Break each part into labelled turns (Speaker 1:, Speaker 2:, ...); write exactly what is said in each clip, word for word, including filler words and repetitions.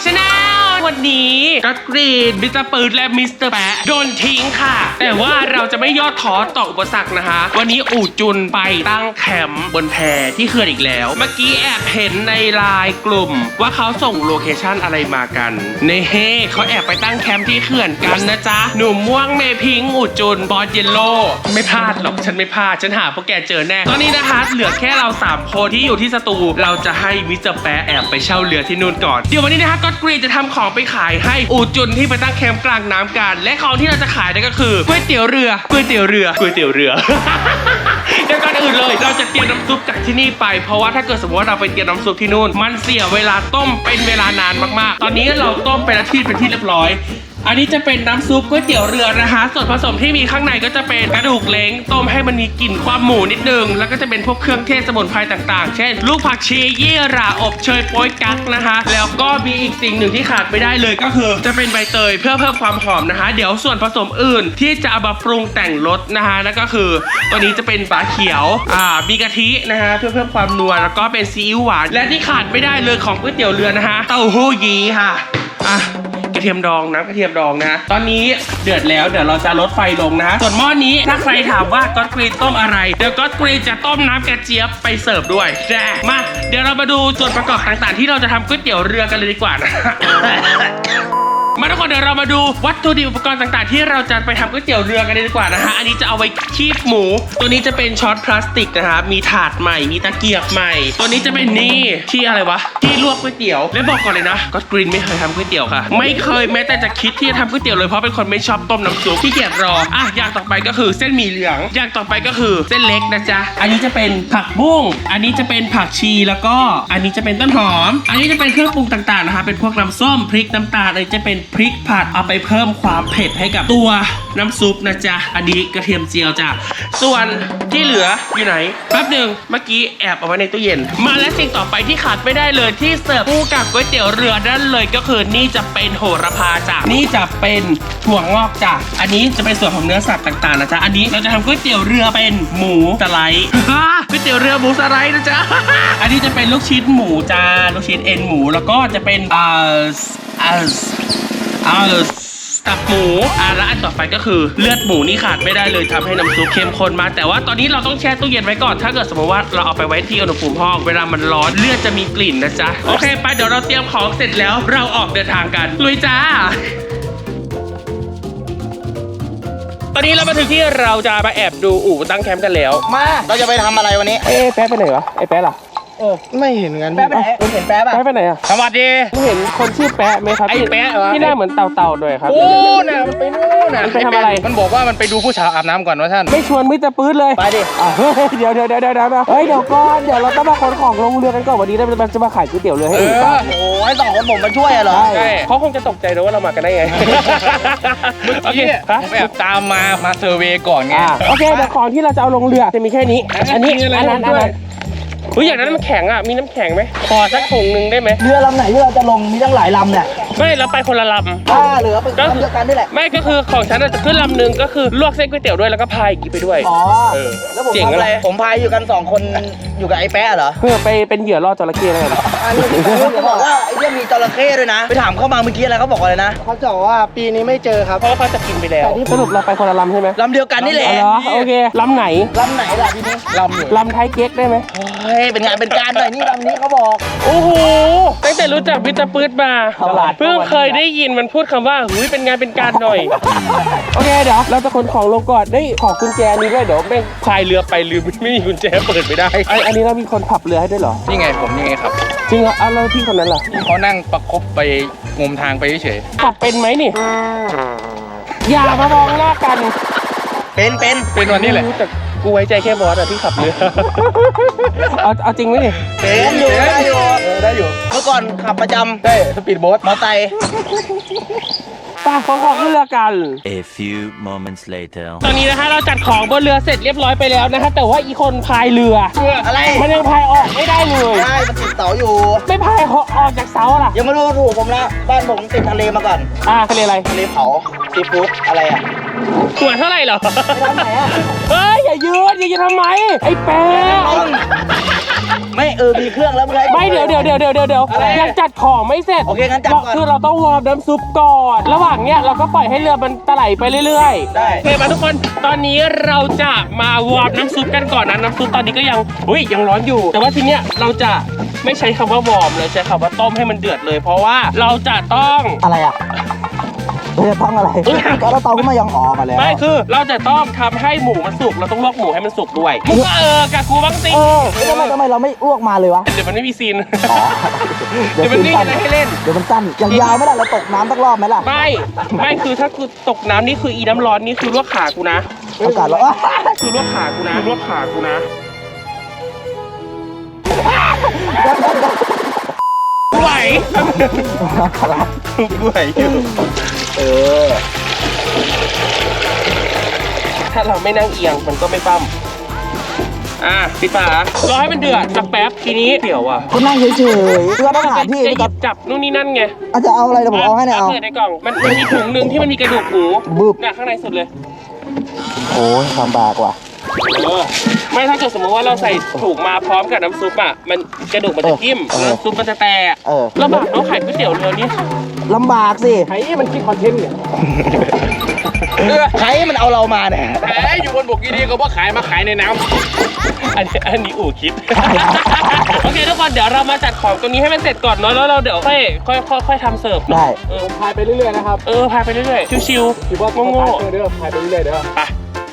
Speaker 1: ชาแนลวันนี้ก็กรีนมิสเตอร์ปืนและมิสเตอร์แปะโดนทิ้งค่ะแต่ว่าเราจะไม่ย่อท้อต่ออุปสรรคนะคะวันนี้อู่จุนไปตั้งแคมป์บนแพที่เขื่อนอีกแล้วเมื่อกี้แอบเห็นในไลน์กลุ่มว่าเขาส่งโลเคชั่นอะไรมากันเน่เฮเขาแอบไปตั้งแคมป์ที่เขื่อนกันนะจ๊ะหนุ่มม่วงเมพิงอู่จุนบอสเยลโล่ไม่พลาดหรอกฉันไม่พลาดฉันหาพวกแกเจอแน่ตอนนี้นะคะเหลือแค่เราสามคนที่อยู่ที่สตูเราจะให้มิสเตอร์แปะแอบไปเช่าเรือที่นู่นก่อนเดี๋ยววันนี้นะคะก็กรีนจะทำของไปขายให้อู่จุนที่ไปตั้งแคมป์กลางน้ำกันและของที่เราจะขายนั่นก็คือก๋วยเตี๋ยวเรือก๋วยเตี๋ยวเรือก๋วยเตี๋ยวเรือ เดี๋ยวก่อนอื่นเลยเราจะเตรียมน้ำซุปจากที่นี่ไปเพราะว่าถ้าเกิดสมมติว่าเราไปเตรียมน้ำซุปที่นู่นมันเสียเวลาต้มเป็นเวลานานมากๆตอนนี้เราต้มไปแล้วที่เป็นที่เรียบร้อยอันนี้จะเป็นน้ำซุปก๋วยเตี๋ยวเรือนะคะส่วนผสมที่มีข้างในก็จะเป็นกระดูกเล้งต้มให้มันมีกลิ่นความหมูนิดนึงแล้วก็จะเป็นพวกเครื่องเทศสมุนไพรต่างๆเช่นลูกผักชียี่หร่าอบเชยโป๊ยกั๊กนะคะแล้วก็มีอีกสิ่งหนึ่งที่ขาดไม่ได้เลยก็คือจะเป็นใบเตยเพื่อเพิ่มความหอมนะคะเดี๋ยวส่วนผสมอื่นที่จะเอามาปรุงแต่งรสนะคะนั่นก็คือตัวนี้จะเป็นฝาเขียวอ่ามีกะทินะคะเพื่อเพิ่มความนัวแล้วก็เป็นซีอิ๊วหวานและที่ขาดไม่ได้เลยของก๋วยเตี๋ยวเรือนะคะเต้าหู้ยี้ค่ะอ่ะกระเทียมดองน้ำกระเทียมดองนะตอนนี้เดือดแล้วเดี๋ยวเราจะลดไฟลงนะส่วนหม้อนี้ถ้าใครถามว่าก็อตกรีนต้มอะไรเดี๋ยวก็อตกรีนจะต้มน้ำกระเจี๊ยบไปเสิร์ฟด้วยแจ้มาเดี๋ยวเรามาดูส่วนประกอบต่างๆที่เราจะทำก๋วยเตี๋ยวเรือกันเลยดีกว่านะ มาทุกคนเดี๋ยวเรามาดูวัตถุดิบอุปกรณ์ต่างๆที่เราจะไปทำก๋วยเตี๋ยวเรือกันเลยดีกว่านะฮะอันนี้จะเอาไว้คีบหมูตัวนี้จะเป็นช็อตพลาสติกนะคะมีถาดใหม่มีตะเกียบใหม่ตัวนี้จะเป็นนี่ที่อะไรวะที่ลวกก๋วยเตี๋ยวและบอกก่อนเลยนะก็กรีนไม่เคยทำก๋วยเตี๋ยวค่ะไม่เคยแม้แต่จะคิดที่จะทำก๋วยเตี๋ยวเลยเพราะเป็นคนไม่ชอบต้มน้ำซุปที่เกียจรออ่ะอย่างต่อไปก็คือเส้นหมี่เหลืองอย่างต่อไปก็คือเส้นเล็กนะจ๊ะอันนี้จะเป็นผักบุ้งอันนี้จะเป็นผักชีแล้วก็อันนี้จะเป็นต้นหอมอันนี้จะเป็นเครื่องปรุงต่างๆนะคะเป็นพวกน้ำส้มพริกน้ำตาลอันนี้จะเป็นพริกผัดเอาไปเพิ่มความเผ็ดให้กับตัวน้ำซุปนะจ๊ะอันนี้กระเทียมเจียวจ้ะส่วนที่เหลืออยู่ไหนแป๊บหนึ่งเมื่อกี้แอบเอาไว้ในตู้เย็นมาและสิ่งต่อไปที่ขาดไม่ได้เลยที่เสิร์ฟคู่กับก๋วยเตี๋ยวเรือนั่นเลยก็คือนี่จะเป็นโหระพาจ้ะนี่จะเป็นถั่วงอกจ้ะอันนี้จะเป็นส่วนของเนื้อสัตว์ต่างๆนะจ๊ะอันนี้เราจะทำก๋วยเตี๋ยวเรือเป็นหมูสไลด์ ก๋วยเตี๋ยวเรือหมูสไลด์นะจ๊ะ อันนี้จะเป็นลูกชิ้นหมูจ้าลูกชิ้นเอ็นหมูแล้วก็จะเป็นเอ่อเอ่อเอ่อตับหมูอ่ะแล้วอันต่อไปก็คือเลือดหมูนี่ขาดไม่ได้เลยทำให้น้ำซุปเข้มข้นมากแต่ว่าตอนนี้เราต้องแช่ตู้เย็นไว้ก่อนถ้าเกิดสมมติว่าเราเอาไปไว้ที่อุณหภูมิห้องเวลามันร้อนเลือดจะมีกลิ่นนะจ๊ะโอเคไปเดี๋ยวเราเตรียมของเสร็จแล้วเราออกเดินทางกันลุยจ้าตอนนี้เรามาถึงที่เราจะมาแอบดูอู่ตั้งแคมป์กันแล้ว
Speaker 2: มาเราจะไปทำอะไรวันนี้
Speaker 1: เอ๊ะแป๊ะไปไหนวะไอ้แป๊ะล่ะ
Speaker 2: เออไม่เห็นกันแป๊ะไปไหนคุณเห็นแป๊ะป่ะ
Speaker 1: แป๊ะไปไหนอ่ะ
Speaker 2: สวัสดี
Speaker 1: เห็นคนชื่อแป๊ะไหมครับ
Speaker 2: ไอ้แป๊ะเหรอ
Speaker 1: ที่หน้าเหมือนเต่าๆด้วยครับ
Speaker 2: โอ้น่ะมันไปนู่นน่ะ
Speaker 1: มันไปทำอะไร
Speaker 2: มันบอกว่ามันไปดูผู้สาวอาบน้ำก่อนว่าท่าน
Speaker 1: ไม่ชวนมิสเตอร์ปื๊ดเลย
Speaker 2: ไปดิ
Speaker 1: เฮ้ยเดี๋ยวเดี๋ยวเดี๋ยวเดี๋ยวเฮ้ยเดี๋ยวก่อนเดี๋ยวเราต้องมาขนของลงเรือกันก่อนวันนี้เราจะมาขายก๋วยเตี๋ยวเรือให้ดูบ้าง
Speaker 2: โอ้ยสองคนผมมาช่วยเหรอ
Speaker 1: ใช่เขาคงจะตกใจนะว่าเรามากันได้ไง
Speaker 2: โอเคผมแอบตามมามาเซอร์เวย์ก่อนไง
Speaker 1: โอเคแต่ของที่เราจะเอาลงเรือจะมีแค่นี้อันนี้อันนั้นอันนั้นเฮ้ยอย่างนั้นมันแข็งอ่ะมีน้ำแข็งไหมขอสักถุงหนึ่งได้ไหม
Speaker 2: เรือลำไหนที่เราจะลงมีตั้งหลายลำเนี่ย
Speaker 1: ไม่เราไปคนละลำ
Speaker 2: อ่าเหลือเป็นลำเดียวกันนี่แหละ
Speaker 1: ไม่ก็คือของฉันจะขึ้นลำหนึ่งก็คือลวกเส้นก๋วยเตี๋ยวด้วยแล้วก็พายกินไปด้วย
Speaker 2: อ๋อแล้วผมทำอะไรผมพายอยู่กันสองคนอยู่กับไอ้แป๊ะเหรอ
Speaker 1: เพื่อไปเป็นเหยื่อล่อจระเข้อะไรนะ
Speaker 2: อันนี้เขาบอกว่าไอ้เรื่องมีจระเข้ด้วยนะไปถามเข้ามาเมื่อกี้อะไรเขาบอกอะไรนะเขาบอกว่าปีนี้ไม่เจอครับ
Speaker 1: เพราะเขาจะกินไปแล้วสรุปเราไปคนละลำใช่ไหม
Speaker 2: ลำเดียวกันนี่แหละ
Speaker 1: โอเคลำไหน
Speaker 2: ลำไหนล่ะทีนี้
Speaker 1: ลำอยู่ลำไทยเก๊กได้ไหม
Speaker 2: เฮ้ยเป็นงานเป็นการหน่อยนี่ลำนี้เขาบอก
Speaker 1: โอ้โหตั้งแต่รู้จักมิสเตอร์ปื๊ดมาเพิ่งเคยได้ยินมันพูดคำว่าเฮ้ยเป็นงานเป็นการหน่อยโอเคเดี๋ยวเราจะขนของลงก่อนได้ขอกุญแจนี้ด้วยเดี๋ยวแม่งพายเรือไปลืมไม่มีกุญแจเปิดไม่ได้อันนี้เรามีคนขับเรือให้ด้วยเหรอ
Speaker 2: นี่ไงผมนี่ไงครับ
Speaker 1: จริงเหรออ่ะแล้วพี่คนนั้นล่ะ
Speaker 2: เขานั่งประคบไปงมทางไปเฉย
Speaker 1: ขับเป็นไหมนี่อย่ามามองหน้ากัน
Speaker 2: เป็นเป็นเป็นวันนี้แหละ
Speaker 1: แต่กูไว้ใจแค่บอสอะที่ขับเรือเอาเอาจริงไหมนี่
Speaker 2: เป็นอยู่ได้อยู่ได้อยู่เมื่อก่อนขับประจำได้สปีดโบ๊ทมอเตอร์ไซค์
Speaker 1: ป้าของของขึ้นเรือกัน
Speaker 3: A few moments later
Speaker 1: ตอนนี้นะคะเราจัดของบนเรือเสร็จเรียบร้อยไปแล้วนะคะแต่ว่าอีคนพายเรือ
Speaker 2: อะไร
Speaker 1: มันยังพายออกไม่ได้เลย
Speaker 2: ได้มันติดเสาอยู่
Speaker 1: ไม่พายออกจากเสาล่ะ
Speaker 2: ยังไม่รู้ถูกผมละบ้านผมติดทะเลมาก่อน
Speaker 1: อ่าทะเลอะไร
Speaker 2: ทะเลเผาซีฟู้ดอะไรอ่ะ
Speaker 1: ตัวเท่าไหร่เหรอ
Speaker 2: ไปทำไหนอ่ะ
Speaker 1: เฮ้ยอย่ายืนอย่ายืนทำไมไอ้แป๊ะ
Speaker 2: ไม่เออมีเครื่องแล้วมึงให้
Speaker 1: ไม่เดี๋ยวเดี๋ยวเดี๋ยวเดี๋ยวเดี๋ยว
Speaker 2: อะไร
Speaker 1: ยังจัดของไม่เสร็จ
Speaker 2: โอเคงั้นจัดก่อน
Speaker 1: คือเราต้องวอร์มน้ำซุปก่อน ระหว่างเนี้ยเราก็ปล่อยให้เรือมันตะไหลไปเรื่อยๆ
Speaker 2: ได้
Speaker 1: โอเคมาทุกคนตอนนี้เราจะมาวอร์มน้ำซุปกันก่อนนะน้ำซุปตอนนี้ก็ยังอุ้ยยังร้อนอยู่ แต่ว่าทีเนี้ยเราจะไม่ใช้คำว่าวอร์มเราใช้คำว่าต้มให้มันเดือดเลย เพราะว่าเราจะต้อง
Speaker 2: อะไรอ่ะเราจะต้องอะไรก็เราเตาขึ้นมายังอ๋อมาแล้ว
Speaker 1: ไม่คือเราจะต้องทำให้หมูมันสุกเราต้องลวกหมูให้มันสุกด้วยมึงก็เออกับกูบ้างสิ
Speaker 2: เออแล้วทำไมทำไมเราไม่อ้วกมาเลยวะ
Speaker 1: เดี๋ยวมันไม่มีซีน
Speaker 2: อ๋อ
Speaker 1: เดี๋ยวมันไม่มีอะไรให้เล่น
Speaker 2: เดี๋ยวมันสั้นอย่างยาวไม่ได้เราตกน้ำสักรอบไหมล่ะ
Speaker 1: ไม่ไม่คือถ้ากูตกน้ำนี่คืออีน้ำร้อนนี่คือลวกขากูนะ
Speaker 2: อากาศร้อน
Speaker 1: คือลวกขากูนะลวกขากูนะกูไหวกูไหวอยู่
Speaker 2: เออ
Speaker 1: ถ้าเราไม่นั่งเอียงมันก็ไม่ปั้มอ่ะปิดฝารอให้มันเดือดสักแป๊บทีนี้เดี๋ยวอ่ะ
Speaker 2: ก็นั่งเฉยๆเพื่อต้องหาที่
Speaker 1: จะ
Speaker 2: พี่
Speaker 1: ห
Speaker 2: ก๊
Speaker 1: ยิ
Speaker 2: อฟ
Speaker 1: บจับนู่นนี่นั่นไง
Speaker 2: อาจจะเอาอะไรเดี๋ยวผมเอาให้เนี่ยเอา
Speaker 1: เปิดในกล่องมันมันมีถุงหนึ่งที่มันมีกระดูกหมู
Speaker 2: บึบ
Speaker 1: เนี่ยข้างในสุดเลย
Speaker 2: โอ้ยลำบากว่ะ
Speaker 1: เออไม่ถ้าเกิดสมมติว่าเราใส่ถุงมาพร้อมกับน้ำซุปอ่ะมันกระดูกมันจะทิ่ม
Speaker 2: เออ
Speaker 1: น้ำซุปมันจะแตก
Speaker 2: เออ
Speaker 1: ลำบากเนาะขายก๋วยเตี๋ยวเรือนี่
Speaker 2: ลำบากสิ
Speaker 1: ใครมันคิดคอนเทนต์เนี่ย
Speaker 2: ใครมันเอาเรามาเนี่ย
Speaker 1: แหมอยู่บนบกดีๆก็ว่าขายมาขายในน้ำอันนี้อันนี้อู่คิด โอเคทุกคนเดี๋ยวเรามาจัดของตรงนี้ให้มันเสร็จก่อนเนาะแล้วเราเดี๋ยวค่อยค่อยค่อยค่อยทำเสิร์ฟ
Speaker 2: ได้
Speaker 1: เออพายไปเรื่อยๆนะครับเออพายไปเรื่อยๆชิวๆคิดว่าโง่ๆเด้อพายไปเรื่อยๆเด้อไป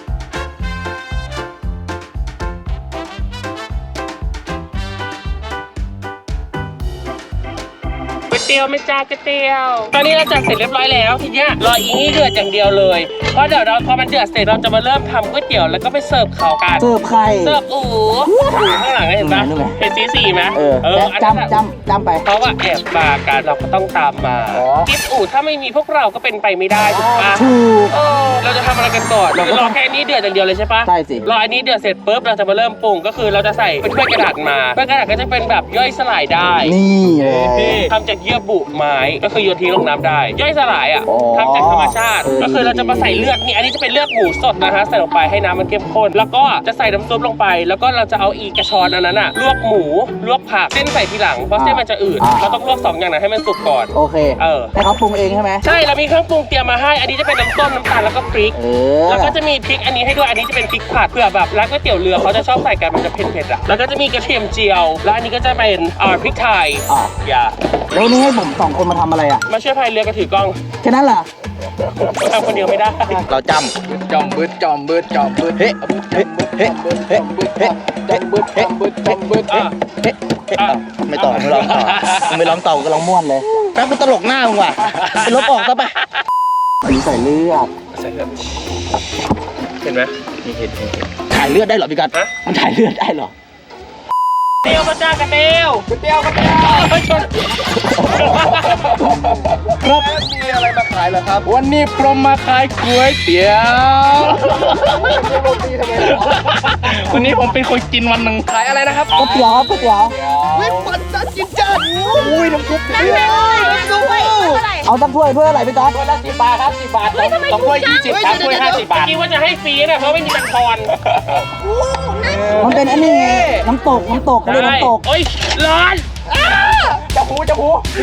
Speaker 1: ก๋วยเตี๋ยวไม่จ้าก๋วยเตี๋ยวตอนนี้เราจัดเสร็จเรียบร้อยแล้วทีเนี้ยรออีนี่เดือดอย่างเดียวเลยเพราะเดี๋ยวเราพอมันเดือดเสร็จเราจะมาเริ่มทำก๋วยเตี๋ยวแล้วก็ไปเสิร์ฟเขากัน
Speaker 2: เสิร์ฟใคร
Speaker 1: เสิร์ฟอู๋อู๋ข้างหลังเห็นปะ
Speaker 2: นู่นไง
Speaker 1: เห็นสีสีไหม
Speaker 2: เออ
Speaker 1: เอออันนั้นอะ
Speaker 2: จำจำจำไป
Speaker 1: เพราะว่าแอบมากันเราก็ต้องตามมา
Speaker 2: อ๋อ
Speaker 1: กิฟอู๋ถ้าไม่มีพวกเราก็เป็นไปไม่ได้ถูกปะ
Speaker 2: ถูก
Speaker 1: เออเราจะทำอะไรกันก่อน
Speaker 2: เราก็
Speaker 1: รอแค่นี้เดือดอย่างเดียวเลยใช่ปะ
Speaker 2: ใช่สิ
Speaker 1: รออันนี้เดือดเสร็จปุ๊บเราจะมาเริ่มปรุงก็คือเราจะใส่เป็นถ้วยกระดาษมาถ้วยกระดาษก็จะเป็นแบบย่อยสลายได้
Speaker 2: นี่เลย
Speaker 1: ทำจากเยื่อบุไม้ก็คือโยนทิ้งลงน้ำได้ ย่อยสลายอ่ะ
Speaker 2: อ๋อ
Speaker 1: ทำจากธรรมชาติ
Speaker 2: เออ
Speaker 1: ก็คือเราจะมาใส่เลือดนี่อันนี้จะเป็นเลือดหมูสดนะฮะใส่ลงไปให้น้ำมันเข้มข้นแล้วก็จะใส่น้ำซุปลงไป แล้วก็เราจะเอาอีกระชอนอันนั้นอ่ะลวกหมูลวกผักเส้นใส่ทีหลังเพราะเส้นมันจะอืดเราต้องลวกสองอย่างนั้นให้มันสุกก่อน
Speaker 2: โอเค
Speaker 1: เออ
Speaker 2: ให้เขาปรุงเองใช่ไหม
Speaker 1: ใช่เรามีเครื่องปรุงเตรียมมาให้อันนี้จะเป็นน้ำต้มน้ำตาลแล้วก็พริก
Speaker 2: เออ
Speaker 1: แล้วก็จะมีพริกอันนี้ให้ด้วยอันนี้จะเป็นพริกผัดเผื่อแบบร้านก๋วยเตี๋ยวเรือเขาจะชอบใส่กันมันจะเผ็ดๆอ่ะแล้วก็จะมีกระเทียมเจียวแล้วอันนี้ก็จะเป็นอ่าพริกไทย
Speaker 2: อ่ะ
Speaker 1: อย่า
Speaker 2: แล้วนี่ให้ผมสองคนมาทำอะไรอ่ะ
Speaker 1: มาช่วยพายเรือกับถือกล้อง
Speaker 2: แค่นั้นเหรอ
Speaker 1: ทำคนเดียวไม่ได้
Speaker 2: เราจำจอมบึดจอมบึดจอมบึดเฮ้เฮ้เฮ้เฮ้เฮ้เฮ้บึดเฮ้บึดเฮ้บึดเฮ้เฮ้เฮ้ไม่ต่อไม่ร้องต่อไม่ร้องต่อก็ร้องม่วนเลยแป๊บกูตลกหน้ามึงว่ะไปลบออกซะไปใส่เลือด
Speaker 1: ใส่เลือดเห็นไหมนี่เห็นเห็น
Speaker 2: ถ่ายเลือดได้เหรอพี่กัดมันถ่ายเลือดได้เหรอ
Speaker 1: เตียวมาจ้ากระเตียวกระเตียวกระเตียวเฮ้ยชน
Speaker 2: ครับมีอะไรมาขายเหรอครับ
Speaker 4: วันนี้พรหมมาขายก๋วยเตี๋ยว วันนี้ผมเป็นคนกินวันหนึ่งขายอะไรนะครับ
Speaker 2: ก๋วยเตี๋ยวครับก๋วยเตี๋ยว
Speaker 4: วิปัสสนาจินจัดอุ้ยน้ำซุปเดือด
Speaker 2: เอาตั้งถ้วยถ้วยอะไรพี่กัด
Speaker 4: ตัวละสิบบาทครับสิบบาทสองสองถ้วยยี่สิบสามถ้วยห้าสิบบาท
Speaker 1: คิดว่าจะให้ฟรีนะเพราะไม่มีตังค์ทอน
Speaker 2: มันเป็นอันนี้ไงน้ำตกน้ำตกเขาเรียกน้ำตก
Speaker 1: โอ้ยร้อน
Speaker 4: จะพูจะพู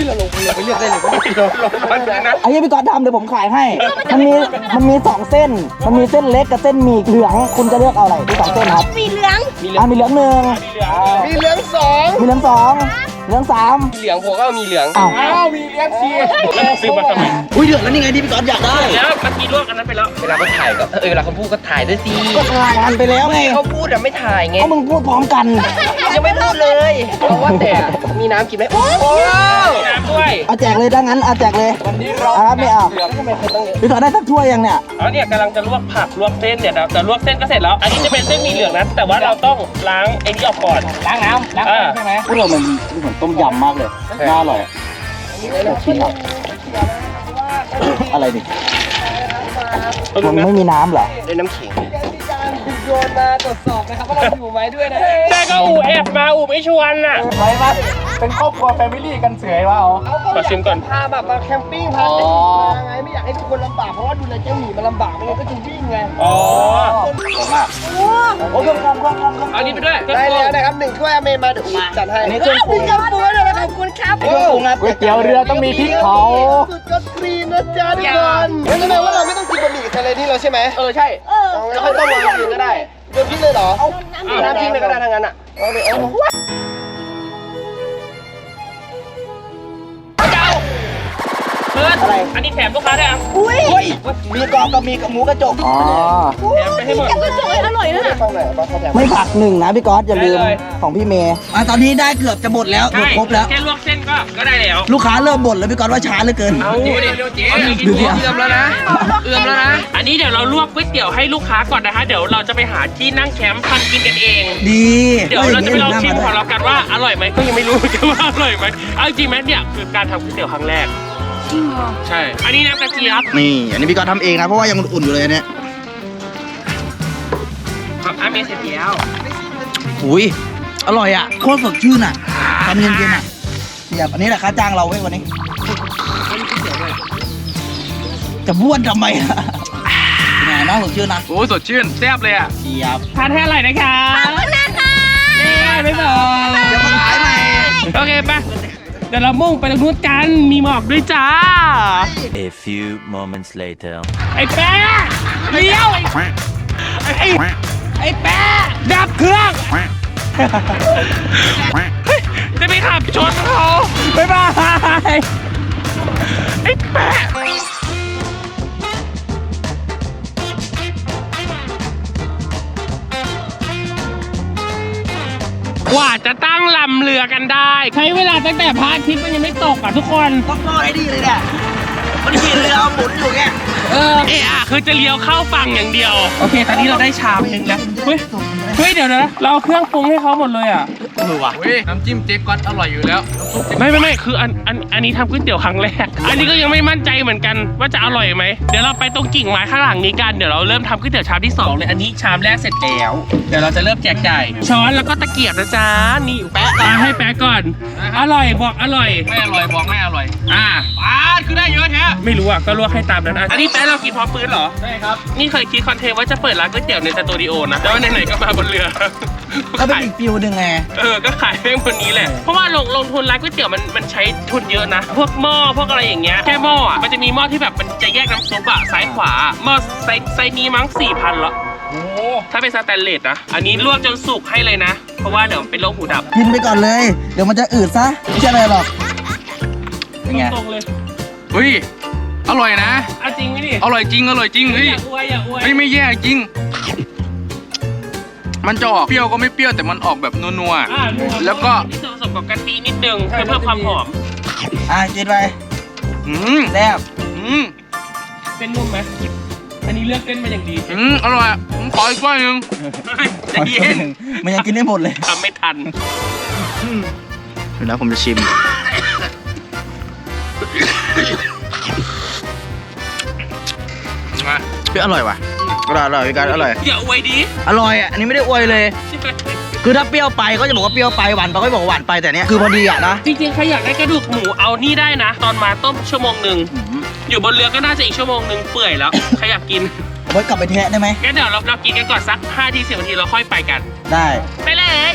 Speaker 1: ร้อนเลยนะ
Speaker 2: ไอ้ยี่พี่ก๊อตทำเดี๋ยวผมขายให้ มันมีมันมีสองเส้น มันมีเส้นเล็กกับเส้นหมี่เหลือง คุณจะเลือกเอาอะไรมีสองเส้นครับ
Speaker 5: สีเหลือง
Speaker 2: อ่ามีเหลืองหนึ่ง
Speaker 4: มีเหลืองสอง
Speaker 2: มีเหลืองสองเหลืองสาม
Speaker 1: เหลืองผมก็มีเหลือง
Speaker 2: อ้าว
Speaker 4: อ้าวมีเหลืองสี่
Speaker 1: แล้วซื้อมาทำไม
Speaker 2: อุ้ยเดือดแล้วนี่ไงที่พี่ก๊อตอยากได้
Speaker 1: แล้วเมื่อกี้ลวกอันนั้นไปแล้ว
Speaker 6: เวลาเขาถ่ายก็เออเวลาเขาพูดก็ถ่ายด้วยสิ
Speaker 2: ก็ทายกันไปแล้วไง
Speaker 6: เขาพูดอะไม่ถ่ายไง
Speaker 2: เอามึงพูดพร้อมกัน
Speaker 6: ยังไม่พูดเลย เพราะว่าแต่มีน้ำกินไหมโอ้โห
Speaker 1: มีน้ำด้วย
Speaker 2: เอาแจกเลยถ้างั้นเอาแจกเลย
Speaker 4: วันนี้เรา
Speaker 2: อ่าไม่เอา
Speaker 4: เหลืองทำไมเขาต้อง
Speaker 2: พี่ก๊อตได้สักถ้วยยังเนี่ย
Speaker 1: อ๋อเนี่ยกำลังจะลวกผักลวกเส้นเนี่ยเดี๋ยวแต่ลวกเส้นก็เสร็จแล้ว อันนี้จะเป็นเส้นหมีเหลืองนะแต่ว่าเราต้องล้างไอ้นี่ออกก่อน
Speaker 4: ล้างน้ำล้าง
Speaker 1: อ่า
Speaker 4: ใช่ไหม
Speaker 2: พวกเรามันเหมือนต้มยำมากเลยน่าอร่อยชิมอ่ะอะไรดิมันไม่มีน้ำเหรอ
Speaker 6: ได้น้ำขิง
Speaker 4: โยนมาตรวจสอบนะครับว่าเราอยู่ไหมด้วยนะ
Speaker 1: แต่ก็อูแอบมาอูไม่ชวนน่ะ
Speaker 4: ไปมา
Speaker 2: เป็นครอบครัวแฟมิลี่กันเสยวะอ๋อ
Speaker 1: ขอชิมก่อน
Speaker 6: พาแบบมาแคมปิ้งพาเจ้าหมีมาไงไม่อยากให้ทุกคนลำบากเพราะว่าดูแลเจ้าหมีมันลำบากมันก็จึงวิ่งไง
Speaker 1: อ๋อ
Speaker 2: โอ้เครื่องปรุงเครื่องปรุงเครื่องปรุง
Speaker 1: เอานี้ไปด้วย
Speaker 6: ได้แล้วนะครับหนึ่งถ้วยอเมมาเดี๋ยวอูจัดให้
Speaker 2: อันนี้เครื่องปรุง
Speaker 6: มีกระปุกเลยขอบคุณครับ
Speaker 2: เครื่องปรุงครับก๋วยเตี๋ยวเรือต้องมีพริกเผา
Speaker 6: สุดยอดครีมนะจ๊ะทุกคนเห็นไหมว่าเราไม่ต้องกินบะหมี่กับทะเลนี่แล้วใช่ไหมเออใช่เอางั้นไม่ต้องลงกินก็ได้โดนพริกเลยเหรอเอาน้ำพริกเลยก็ได้ทั้งนั้นอ่ะเอาเลยเอา
Speaker 1: เพื่อนอันนี้แถมลูกค้าได้อ่ะ
Speaker 2: อุ้ยมีกรอบกับมีกับหมูกระจกอ๋อ
Speaker 1: แถมไปให้หมด
Speaker 6: ฟังหน่อยว่าเขาแถม
Speaker 2: ไม่ผักหนึ่งนะพี่ก๊อตอย่าลืม
Speaker 1: ได้เลย
Speaker 2: ของพี่เมย์อ่ะตอนนี้ได้เกือบจะหมดแล้วเกือบครบแล้ว
Speaker 1: แค่ลวกเส้นก็ก็ได้แล้ว
Speaker 2: ลูกค้าเริ่มบ่นแล้วพี่ก๊อตว่าช้าเหลือเกิน
Speaker 1: เอาเดี๋ยวเจ๊
Speaker 2: ดูดิ
Speaker 1: เอื้อมแล้วนะเอื้อมแล้วนะ อันนี้เดี๋ยวเราลวกก๋วยเตี๋ยวให้ลูกค้าก่อนนะคะ เดี๋ยวเราจะไปหาที่นั่งแคมป์ทำกินกันเอง
Speaker 2: ดี
Speaker 1: เดี๋ยวเราจะไปลองชิมของ
Speaker 2: เรา
Speaker 1: เรากันว่าอร่อยไหมก็ยังไม่รู้ จะว่าอร่อยไหมเอาจริงไหมเนี่ยคือการทำก๋วยเตี๋ยวครั้งแรกจริงเหรอใช่ อันนี้น้ำกระเจี๊ยบ
Speaker 2: นี่อันนี้พี่ก๊อตทำเองนะเพราะว่ายังอุ่นๆอยู่เลยอันเนี่ย
Speaker 1: ครับอาเมเสร็จแล้ว
Speaker 2: อุ้ยอร่อยอ่ะโคตรสดชื่นอ่ะทำเย็นๆอ่ะเสียบอันนี้แหละค่าจ้างเราเว้ยวันนี้จะบ้วนทำไมอ่ะเป็นไงน้องสดชื่นนะ
Speaker 1: โอ้สดชื่นแซ่บเลยอ่ะ
Speaker 2: เสียบ
Speaker 1: ทานให้อร่อยนะคะขอบคุณนะคะเย้บ๊ายบาย
Speaker 2: เดี๋ยวมาขายใหม่
Speaker 1: โอเคไปเดี๋ยวเรามุ่งไปตรงนู้นกันมีหมอกด้วยจ้า
Speaker 3: A few moments later.
Speaker 1: ไอ้แป๊ะเลี้ยวไอ้ไอ้ไอ้แป๊ะดับเครื่องเฮ้ยจะไปขับชนเขาบ๊ายบายไอ้แป๊ะกว่าจะตั้งลำเรือกันได้ ใช้เวลาตั้งแต่พระอาทิตย์มันยังไม่ตกอ่ะทุกคน
Speaker 2: ต้องรอดให้ดีเลยเนี่ยมันขี่เรือหมุนอยู่แก
Speaker 1: เออเอะอะคือจะเลี้ยวเข้าฝั่งอย่างเดียว โอเค ตอนนี้เราได้ชามหนึ่งแล้ว เฮ้ย เฮ้ย เดี๋ยวนะ เราเอาเครื่องปรุงให้เขาหมดเลยอ่ะ
Speaker 2: เออว่ะ
Speaker 5: เฮ้ยน้ำจิ้มเจ๊ก๊อตอร่อยอยู่แล้ว
Speaker 1: ไม่ไม่ไม่คืออันอันอันนี้ทำก๋วยเตี๋ยวครั้งแรก อันนี้ก็ยังไม่มั่นใจเหมือนกันว่าจะอร่อยไหม เดี๋ยวเราไปตรงกิ่งไม้ข้างหลังนี้กัน เดี๋ยวเราเริ่มทำก๋วยเตี๋ยวชามที่สองเลย อันนี้ชามแรกเสร็จแล้ว เดี๋ยวเราจะเริ่มแจกจ่ายช้อนแล้วก็ตะเกียบนะจ๊ะ นี่แปะมาให้แปะก่อน อร่อยบอกอร่อย
Speaker 5: ไม่อร่อยบอกไม่อร่อย
Speaker 1: อ่า
Speaker 5: ปาดคือได้เยอะแท้
Speaker 1: ไม่รู้อ่ะ ก็ลวกให้ตามนั้นอ่ะอันนี้แป๊ะเรากินพร้อมปืนเหรอ
Speaker 5: ใช่ครับ
Speaker 1: นี่เคยคิดคอนเทนต์ว่าจะเปิดร้านก๋วยเตี๋ยวในสตูดิโอนะแต่ว่าไหนๆก็มาบนเรือ
Speaker 2: ก็เป็นอีกฟิวหนึ่งไง
Speaker 1: เออ ก็ขายแม่งบนนี้แหละ เพราะว่าลงลงทุนร้านก๋วยเตี๋ยวมันมันใช้ทุนเยอะนะ พวกหม้อพวกอะไรอย่างเงี้ย แค่หม้ออ่ะ มันจะมีหม้อที่แบบมันจะแยกน้ำซุปอ่ะซ้ายขวา หม้อไซส์ไซส์นี้มั้งสี่พันละ
Speaker 5: โอ้
Speaker 1: ถ้าเป็นสแตนเลสนะ อันนี้ลวกจนสุกให้เลยนะ เพราะว่าเดี๋ยวเป็นโรคหูดับ
Speaker 2: กินไปก่อนเลย เดี๋ยวมันจะอืดซะไม่ใช่อะไรหรอกเป็นไง
Speaker 1: ตรงๆเลย
Speaker 5: เฮ้ย อร่อยนะ
Speaker 1: เอาจริงไหมดิ
Speaker 5: อร่อยจริง อร่อยจริง เฮ้ย
Speaker 1: อย่าอวยอย่าอวย
Speaker 5: เฮ้ย ไม่แย่จริง มันจะออกเปรี้ยวก็ไม่เปรี้ยวแต่มันออกแบบนัว
Speaker 1: อ่านั
Speaker 5: ๆ แล้วก็
Speaker 1: มีส่วนผสมกับกะทินิดนึงเพื่อเพิ่มความหอม
Speaker 2: อ่ะกินไป
Speaker 5: อืม
Speaker 2: แซ่บ
Speaker 5: อืม
Speaker 1: เส้นนุ่มไหมอันนี้เลือกเส้นมาอย่างดี
Speaker 5: อืมอร่อยอะผมขออีกถ้วยหนึง
Speaker 1: ใจเย็น
Speaker 2: มันยังกินได้หมดเลย
Speaker 1: ทำไม่ทัน
Speaker 2: เดี๋ยวนะผมจะชิม
Speaker 5: มา
Speaker 2: เฮ้ยอร่อยว่ะอร่อยอร่อยพี่การอร่อย
Speaker 1: อย่าอวยดิ
Speaker 2: อร่อยอ่ะ อันนี้ไม่ได้อวยเลย คือถ้าเปรี้ยวไปก็จะบอกว่าเปรี้ยวไปหวานไปก็บอกว่าหวานไปแต่เนี้ยคือพอดีอ่ะนะ
Speaker 1: จริงๆใครอยากได้กระดูกหมูเอานี่ได้นะ ตอนมาต้มชั่วโมงหนึ่งอยู่บนเรือก็น่าจะอีกชั่วโมงหนึ่งเปื่อยแล้ว ใครอยากกิน
Speaker 2: เอาไว้กลับไปแทะได้ไหม
Speaker 1: งั้นเดี๋ยวเราเรากินกันก่อนสักห้าทีสิบนาทีเราค่อยไปกัน
Speaker 2: ได้
Speaker 1: ไปเลย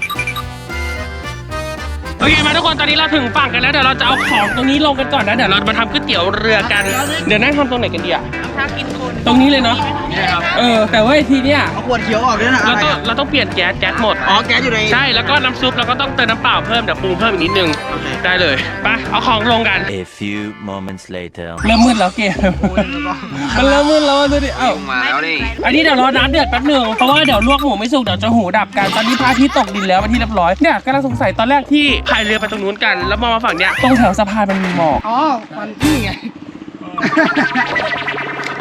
Speaker 1: โอเคมาทุกคนตอนนี้เราถึงฝั่งกันแล้วเดี๋ยวเราจะเอาของตรงนี้ลงกันก่อนนะเดี๋ยวเรามาทำก๋วยเตี๋ยวเรือกัน เดี๋ยวนั่งทำตรงไหนกันดีอะตรงนี้เลยเนาะ
Speaker 5: นี่ครับ
Speaker 1: เออแต่ว่าทีเนี้ย
Speaker 2: เอาขวดเขียวออกด้วยนะ
Speaker 1: เรา
Speaker 2: อะไร
Speaker 1: ต้อง
Speaker 2: อ่ะ
Speaker 1: เราต้องเปลี่ยนแก๊สแก๊สหมด
Speaker 2: อ๋อแก๊สอยู่ใน
Speaker 1: ใช่แล้วก็น้ำซุปเราก็ต้องเติมน้ำเปล่าเพิ่มเดี๋ยวปรุงเพิ่มอีกนิดนึง
Speaker 2: โอเค
Speaker 1: ได้เลยไปเอาของลงกัน
Speaker 3: A few moments later.
Speaker 1: เริ่มมืดแล้วเกมมันเริ่มมืดแล้วดูดิเอ้า
Speaker 5: มาแล้วนี่
Speaker 1: อันนี้เดี๋ยวรอน้ำเดือดแป๊บหนึงเพราะว่าเดี๋ยวลวกหมูไม่สุกเดี๋ยวจะหูดับกันตอนนี้พระอาทิตย์ตกดินแล้วเป็นที่เรียบร้อยเนี่ยกำลังสงสัยตอนแรกที่พายเรือไปตรงนู้นกันแล้วมองมาฝั่งเนี้ยตรงแถวสะพานมันมีหมอก
Speaker 2: อ๋อมันนี่ไง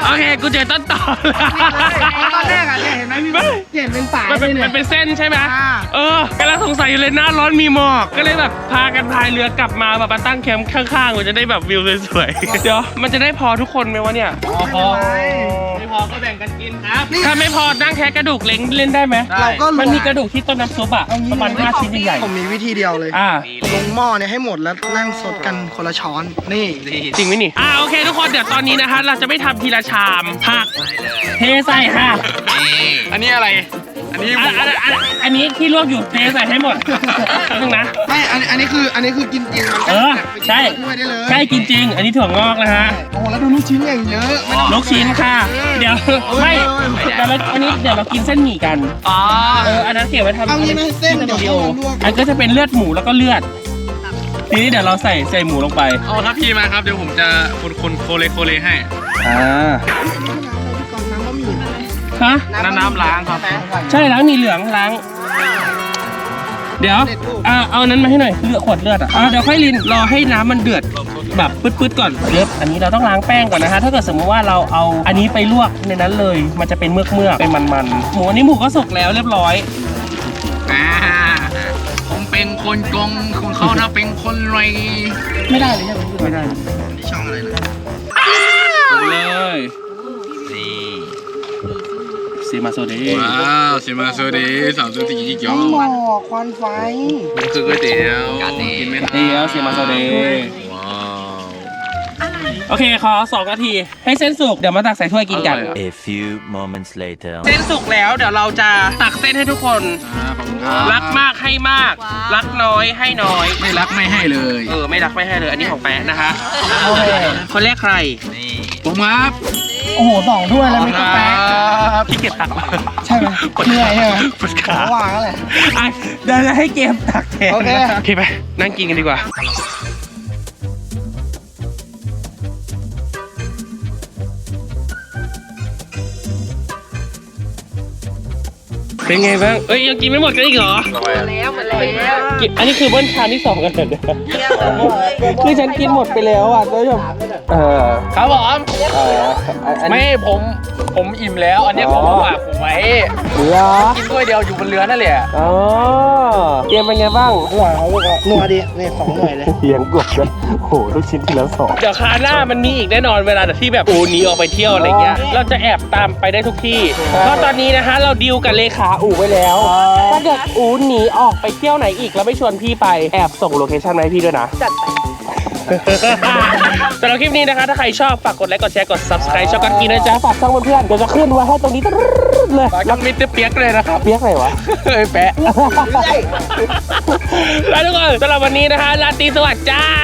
Speaker 1: โอเคกูเจอต้นต่อ
Speaker 6: ตอนแรกอ่ะเนี่ยเห็นไหมพี่เห็นเป็นฝาย
Speaker 1: มันเป็น
Speaker 6: เลย
Speaker 1: มันเป็นเส้นใช่ไหม
Speaker 6: อ่า
Speaker 1: เออกำลังสงสัยอยู่เลยหน้าร้อนมีหมอกก็เลยแบบพากันพายเรือกลับมาแบบมาตั้งแคมป์ข้างๆมันจะได้แบบวิวสวยๆเดี๋ยวมันจะได้พอทุกคนไหมวะเนี่ย
Speaker 6: พอ
Speaker 5: ไม่พอก็แบ่งกันกินครับ
Speaker 1: ถ้าไม่พอนั่งแค่กระดูกเล้งเล่นได้ไหม
Speaker 6: เราก็
Speaker 1: มันมีกระดูกที่ต้นน้ำซุปอะประมาณห้าชิ้นใหญ่
Speaker 6: ผมมีวิธีเดียวเลย
Speaker 1: ๆอ่า
Speaker 6: ลงหม้อเนี่ยให้หมดแล้วนั่งสดกันคนละช้อนนี่
Speaker 1: จริงไหมนี่ อ่าโอเคทุกคนเดี๋ยวตอนนี้นะคะเราจะไม่ทำทีละชามผักเทใส่ค่ะ
Speaker 5: อันนี้อะไร อันนี้
Speaker 1: อันอันอันอันนี้ที่ลวกอยู่เทใส่ให้หมดนึงนะ
Speaker 6: ไม่อันอันนี้คืออันนี้คือกินจริงมัน
Speaker 1: เออใช่
Speaker 6: ถ้วยได้เลย
Speaker 1: ใช่กินจริง อันนี้ถั่วงอกนะฮะ
Speaker 6: โอ้โหแล้วดูลูกชิ้นอย่างเยอะไม่ต้อง
Speaker 1: ลูกชิ้นค่ะ เดี๋ยวไม่เดี๋ยวเราอันนี้เดี๋ยวเรากินเส้นหมี่กัน
Speaker 5: อ๋อ
Speaker 1: เอออันนั้นเก็บไว้ทำ
Speaker 6: เอางี้ไหมเส้น
Speaker 1: วิ
Speaker 6: เดี๋ยว
Speaker 1: ดี
Speaker 6: เรา
Speaker 1: โอ
Speaker 6: ลวก
Speaker 1: อันก็จะเป็นเลือดหมูแล้วก็เลือด ทีนี้เดี๋ยวเราใส่ใส่หมูลงไป
Speaker 5: เอาทัพพีมาครับ เดี๋ยวผมจะคนคนโคเลโคเลให้
Speaker 1: อ่า
Speaker 6: ก่อนน้ำบะหมี่
Speaker 1: ฮะ
Speaker 5: น้ำน้ำล้างครับ
Speaker 1: ใช่ล้างหมีเหลืองล้าง เดี๋ยวอ่าเอานั้นมาให้หน่อยเลือดขวดเลือดอ่ะอ่าเดี๋ยวค่อยลินรอให้น้ำมันเดือดแบบปื๊ดๆก่อนเลือดอันนี้เราต้องล้างแป้งก่อนนะคะถ้าเกิดสมมติว่าเราเอาอันนี้ไปลวกในนั้นเลย มันจะเป็นเมือกเมือกๆเป็นมันๆหมูอันนี้หมูก็สุกแล้วเรียบร้อย
Speaker 5: อ่า ผมเป็นคนกงของเขานะเป็นคนรวย
Speaker 6: ไม่ได้เลยใช่ไหม
Speaker 1: ไม่ได้
Speaker 6: นี่ช่องอะไรนะ
Speaker 1: เลยซีมาโซเด
Speaker 5: ว้าวชิมาโซเดสามสิบสี่กิโล
Speaker 6: หมอกควันไฟ
Speaker 5: มันคือก๋วยเตี๋ยวกินไม่ได้
Speaker 1: เดียวซีมาโซเด
Speaker 5: ว้าว
Speaker 1: โอเคขอสองนาที ให้เส้นสุกเดี๋ยวมาตักใส่ถ้วยกินกัน
Speaker 3: A few moments later.
Speaker 1: เส้นสุกแล้วเดี๋ยวเราจะตักเส้นให้ทุกคน
Speaker 5: อ่าขอบคุณครับ
Speaker 1: รักมากให้มาก รักน้อยให้น้อย
Speaker 5: ไม่รักไม่ให้เลย
Speaker 1: เออไม่รักไม่ให้เลยอันนี้ของแป๊ะนะคะคนแรกใคร
Speaker 5: ผมครับ
Speaker 6: โอ้โหสองถ้วยแล้วไม่ต้องแป๊ะ
Speaker 1: พี่เก็บตักมา
Speaker 6: ใช่ไหมเหนื่อยใช่ไหม
Speaker 1: ปวดขา
Speaker 6: ระหว่างนั่นแหละ
Speaker 1: อ่ะเดี๋ยวจะให้เกมตักแทน
Speaker 6: โอเค
Speaker 1: โอเคไปนั่งกินกันดีกว่า เป็นไงบ้าง เอ้ยยังกินไม่หมดกันอีกเหรอ
Speaker 7: แล้วหมดแล้ว
Speaker 1: กินอันนี้คือเบิ้ลชามที่สองกันเหรอเนี่ยคือฉันกินหมดไปแล้วอ่ะท่านผู้ชมเออ
Speaker 5: ครับผม
Speaker 1: เอออัน
Speaker 5: ไม่
Speaker 1: นี้
Speaker 5: ผมผมอิ่มแล้ว อันนี้ผมฝากผมไว้
Speaker 1: เหรอ
Speaker 5: กินถ้วยเดียวอยู่บนเรือนั่นแหละ
Speaker 1: อ๋อเกมเป็นไงบ้าง
Speaker 6: หน่วยเขาลูกอะหน่วยดินี่สองหน่วยเลย
Speaker 1: เลี้ยงกบเลยโหลูกชิ้นที่แล้วสองเดี๋ยวคราวหน้ามันมีอีกแน่นอนเวลาที่แบบอูหนีออกไปเที่ยวอะไรเงี้ย เราจะแอบตามไปได้ทุกที่ เพราะตอนนี้นะฮะเราดีลกับเลขาอูไว้แล้ว ถ้าเกิดอูหนีออกไปเที่ยวไหนอีกแล้วไม่ชวนพี่ไปแอบส่งโลเคชั่นมาให้พี่ด้วยนะ
Speaker 7: จัดไป
Speaker 1: สำหรับคลิปนี้นะคะ ถ้าใครชอบฝากกดไลค์กดแชร์กด subscribe ช่องกันกินนะจ๊ะฝากช่องเพื่อนๆเดี๋ยวจะขึ้นไว้ให้ตรงนี้ตรึ๊ดเลย
Speaker 5: ฝากกับมิสเตอร์เปียกเลยนะครับ
Speaker 1: เปียกไหนวะ
Speaker 5: เฮ้ยแปะ
Speaker 1: แล้วทุกคนสำหรับวันนี้นะคะราตรีสวัสดิ์จ้า